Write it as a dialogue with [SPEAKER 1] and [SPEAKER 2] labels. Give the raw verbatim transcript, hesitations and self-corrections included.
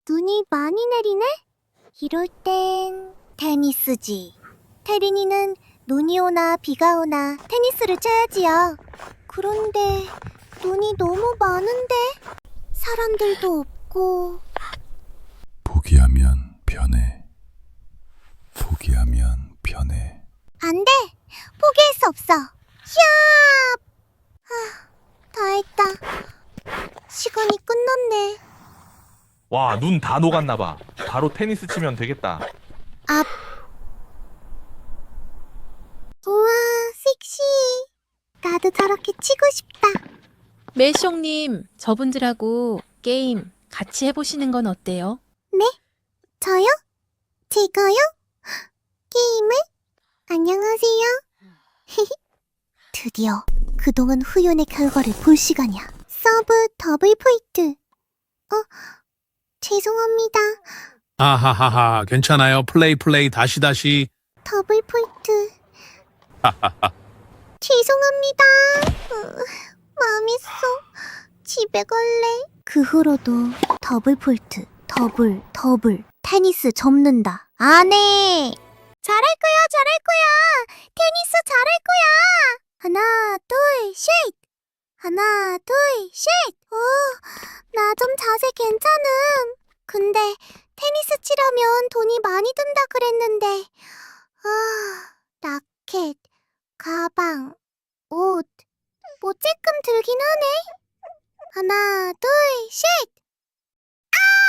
[SPEAKER 1] 눈이 많이 내리네? 이럴 땐 테니스지. 태린이는 눈이 오나 비가 오나 테니스를 쳐야지요. 그런데 눈이 너무 많은데 사람들도 없고.
[SPEAKER 2] 포기하면 변해. 포기하면 변해.
[SPEAKER 1] 안 돼! 포기할 수 없어. 히압! 아, 다 했다. 시간이 끝났네.
[SPEAKER 3] 와, 눈 다 녹았나봐. 바로 테니스 치면 되겠다.
[SPEAKER 1] 앞. 우와, 섹시. 나도 저렇게 치고 싶다.
[SPEAKER 4] 매숑님, 저분들하고 게임 같이 해보시는 건 어때요?
[SPEAKER 1] 네? 저요? 제가요? 게임을? 안녕하세요. 드디어 그동안 후연의 결과를 볼 시간이야. 서브 더블 포인트. 어? 죄송합니다.
[SPEAKER 5] 아하하하, 괜찮아요. 플레이 플레이 다시 다시.
[SPEAKER 1] 더블 포인트. 죄송합니다. 으, 망했어. 집에 갈래. 그 후로도 더블 폴트, 더블, 더블, 테니스 접는다. 안 해. 잘할 거야, 잘할 거야. 테니스 잘할 거야. 하나, 둘, 셋. 하나, 둘, 셋. 오, 나 좀 자세 괜찮음. 근데 테니스 치려면 돈이 많이 든다 그랬는데. 아, 라켓, 가방, 옷. 뭐 쬐끔 들긴 하네. 하나, 둘, 셋! 아!